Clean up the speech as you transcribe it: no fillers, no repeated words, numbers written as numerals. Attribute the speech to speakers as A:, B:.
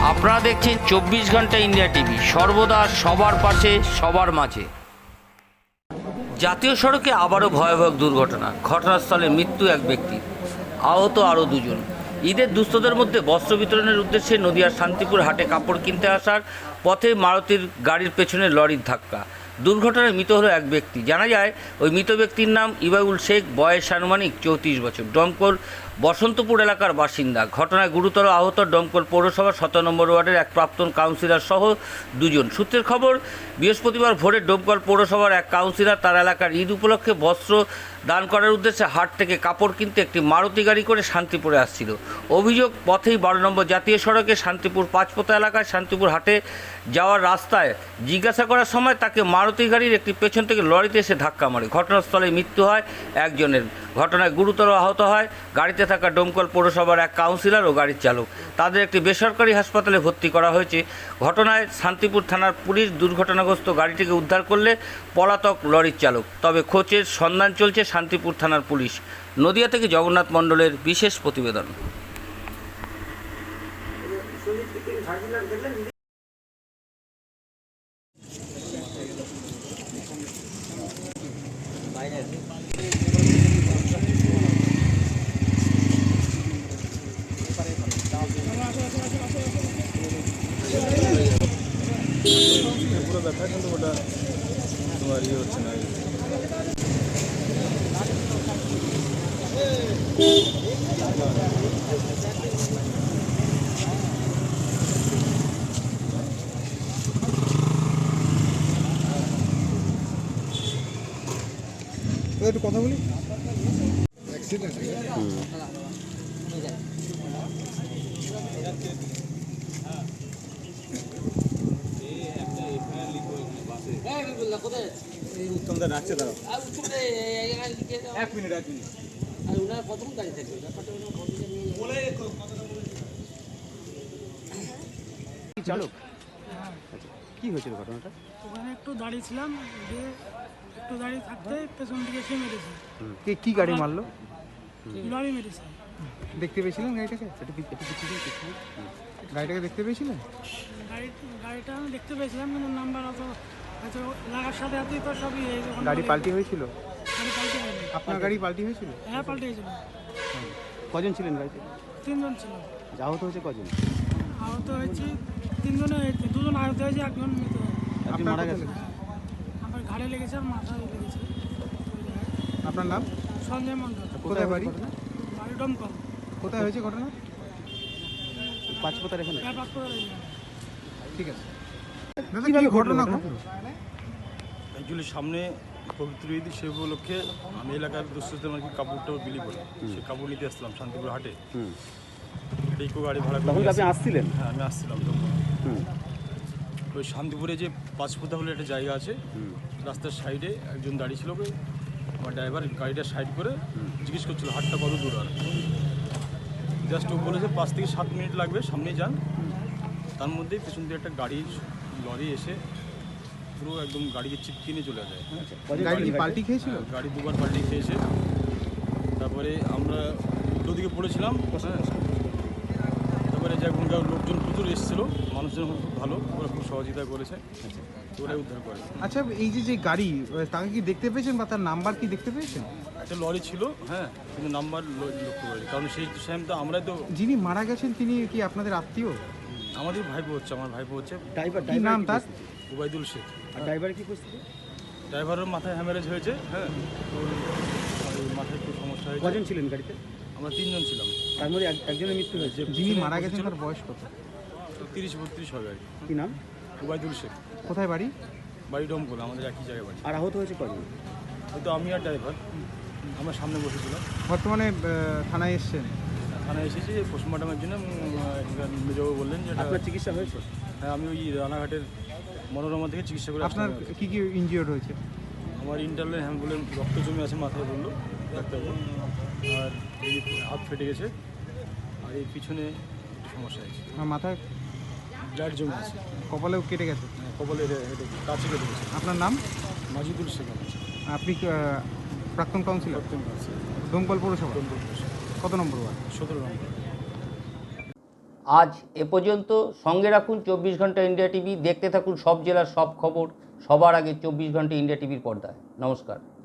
A: আপনারা দেখছেন 24 ঘন্টা ইন্ডিয়া টিভি, সর্বদা সবার পাশে সবার মাঝে। জাতীয় সড়কে আবারও ভয়াবহ দুর্ঘটনা। ঘটনাস্থলে মৃত্যু এক ব্যক্তির, আহত আরও দুজন। ঈদের দুস্থদের মধ্যে বস্ত্র বিতরণের উদ্দেশ্যে নদিয়ার শান্তিপুর হাটে কাপড় কিনতে আসার পথে মারুতির গাড়ির পেছনে লরির ধাক্কা। দুর্ঘটনায় মৃত হলো এক ব্যক্তি। জানা যায় ওই মৃত ব্যক্তির নাম ইবাউল শেখ, বয়স আনুমানিক 34 বছর, ডমকল বসন্তপুর এলাকার বাসিন্দা। ঘটনায় গুরুতর আহত ডমকল পৌরসভার 17 নম্বর ওয়ার্ডের এক প্রাক্তন কাউন্সিলর সহ দুজন। সূত্রের খবর, বৃহস্পতিবার ভোরে ডমকল পৌরসভার এক কাউন্সিলর তার এলাকার ঈদ উপলক্ষে বস্ত্র দান করার উদ্দেশ্যে হাট থেকে কাপড় কিনতে একটি মারুতি গাড়ি করে শান্তিপুরে আসছিল। অভিযোগ, পথেই 12 নম্বর জাতীয় সড়কে শান্তিপুর পাঁচপোতা এলাকায় শান্তিপুর হাটে যাওয়ার রাস্তায় জিজ্ঞাসা করার সময় তাকে মারুতি গাড়ির একটি পেছন থেকে লরিতে এসে ধাক্কা মারে। ঘটনাস্থলে মৃত্যু হয় একজনের। ঘটনায় গুরুতর আহত হয় গাড়িতে থাকা ডমকল পৌরসভার এক কাউন্সিলর ও গাড়ির চালক। তাদের একটি বেসরকারি হাসপাতালে ভর্তি করা হয়েছে। ঘটনায় শান্তিপুর থানার পুলিশ দুর্ঘটনাগ্রস্ত গাড়িটিকে উদ্ধার করলে পলাতক লরির চালক। তবে খোঁজের সন্ধান চলছে শান্তিপুর থানার পুলিশ। নদিয়া থেকে জগন্নাথ মণ্ডলের বিশেষ প্রতিবেদন।
B: পুরো ব্যথা, কিন্তু ওটা তোমার ইয়ে হচ্ছে না। একটু কথা বলি। অ্যাক্সিডেন্ট এই উত্তমদা রাখছে, দাঁড়াও 1 মিনিট।
C: চালক কি হয়েছিল ঘটনাটা?
D: ওখানে একটু দাঁড়িয়েছিলাম, দিয়ে একটু দাঁড়িয়ে থাকতে পেছন দিকে এসে মেরেছে।
C: কি গাড়ি মারলো?
D: লরি মেরেছে।
C: দেখতে পেয়েছিলেন গাড়িটাকে? গাড়িটাকে দেখতে পেয়েছিলেন?
D: গাড়িটা আমি দেখতে পেয়েছিলাম, কিন্তু নাম্বার অত হয়তো লাগার সাথে সাথেই তো সবই হয়ে গেছে।
C: গাড়ি পাল্টি হয়েছিল?
D: গাড়ি পাল্টে হয়নি।
C: আপনার গাড়ি পাল্টি হয়েছিল?
D: হ্যাঁ, পাল্টে গেছিল।
C: কজন ছিলেন গাড়িতে?
D: 3 জন ছিল।
C: আহত হয়েছে কজন?
D: আহত হয়েছে 3 জনে হয়েছে, 2 জন আহত হয়েছে, 1 জন মৃত হয়েছে।
C: একজন মারা গেছে?
D: আমার ঘাড়ে লেগেছে আর মাথায় লেগেছে।
C: আপনার নাম?
D: সঞ্জয় মণ্ডল।
C: কোথায় বাড়ি?
D: বাড়ি ডমকল।
C: কোথায় হয়েছে ঘটনা? পাঁচপোতার এখানে?
D: হ্যাঁ, পাসপোর্ট।
C: ঠিক আছে। কিভাবে ঘটনা ঘটলো?
B: অ্যাকচুয়ালি সামনে পবিত্র ঈদ, সে উপলক্ষে আমি এলাকার দুস্থদের মানে কাপড়টাও বিলি করি। সে কাপড় নিতে আসলাম শান্তিপুর হাটে। একটা ইকো গাড়ি ভাড়া করে
C: আপনি আসছিলেন?
B: হ্যাঁ, আমি আসছিলাম তখন। ওই শান্তিপুরে যে পাঁচপোতা বলে একটা জায়গা আছে, রাস্তার সাইডে একজন দাঁড়িয়ে ছিল। আমার ড্রাইভার গাড়িটা সাইড করে জিজ্ঞেস করছিল হাটটা কত দূর। আর জাস্ট ও বলেছে 5 থেকে 7 মিনিট লাগবে, সামনে যান। তার মধ্যেই পেছন দিয়ে একটা লরি এসে পুরো একদম গাড়িকে চিপকে নিয়ে চলে যায়।
C: গাড়ি কি পাল্টি খেয়েছিল?
B: গাড়ি 2বার পাল্টি খেয়েছে। তারপরে আমরা উল্টো দিকে পড়েছিলাম। তারপরে এখনকার লোকজন প্রচুর এসেছিলো, মানুষজন খুব ভালো, ওরা খুব সহযোগিতা করেছে, ওরাই উদ্ধার করে।
C: আচ্ছা, এই যে গাড়ি, তাকে কি দেখতে পেয়েছেন বা তার নাম্বার কি দেখতে পেয়েছেন?
B: একটা লরি ছিল, হ্যাঁ, কিন্তু নাম্বার লক্ষ্য করি, কারণ সেই টাইম তো আমরা তো।
C: যিনি মারা গেছেন তিনি কি আপনাদের আত্মীয়?
B: আমাদের ভাইপো হচ্ছে, আমার ভাইপো হচ্ছে।
C: ড্রাইভার কি নাম তার?
B: উবাইদুল শেখ।
C: আর ড্রাইভার কি পরিস্থিতি?
B: ড্রাইভারের মাথায় হ্যামারেজ হয়েছে, হ্যাঁ, ওর মাথায় একটু সমস্যা হয়েছে।
C: কজন ছিলেন গাড়িতে?
B: আমরা 3 জন ছিলাম।
C: তার মধ্যে একজনের মৃত্যু হয়েছে। যিনি মারা গেছেন তার বয়স কত?
B: 30-32 হবে আর কি।
C: কি নাম?
B: উবাইদুল শেখ।
C: কোথায় বাড়ি?
B: বাড়ি ডমকল, আমাদের একই জায়গায় বাড়ি।
C: আর আহত হয়েছে কজন?
B: হয়তো আমি আর ড্রাইভার, আমরা সামনে বসেছিলাম।
C: বর্তমানে থানায় এসছেন?
B: থানায় এসেছি পোস্টমর্টমের জন্য। মেজবাবু বললেন যে
C: আপনার চিকিৎসা হয়েছে?
B: হ্যাঁ, আমি ওই রানাঘাটের মনোরমা থেকে চিকিৎসা করে।
C: আপনার কি কি ইনজিওর্ড হয়েছে?
B: আমার ইন্টারনাল হ্যাম্বুলেন্স রক্ত জমে আছে মাথায়, বললো ডাক্তারবাবু। আর এই হাত ফেটে গেছে, আর এই পিছনে একটু সমস্যা হয়েছে।
C: আমার মাথায়
B: ব্লাড জমে আছে,
C: কপালেও কেটে গেছে?
B: কপালে কাছে কেটে গেছে।
C: আপনার নাম?
B: মাজিদুল শেখ।
C: আপনি প্রাক্তন কাউন্সিলর দমকল পৌরসভা? কত নম্বর ওয়ার্ড?
B: 17 নম্বর।
A: আজ এ পর্যন্ত। সঙ্গে রাখুন 24 ঘন্টা ইন্ডিয়া টিভি। দেখতে থাকুন সব জেলার সব খবর সবার আগে 24 ঘন্টা ইন্ডিয়া টিভির পর্দায়। নমস্কার।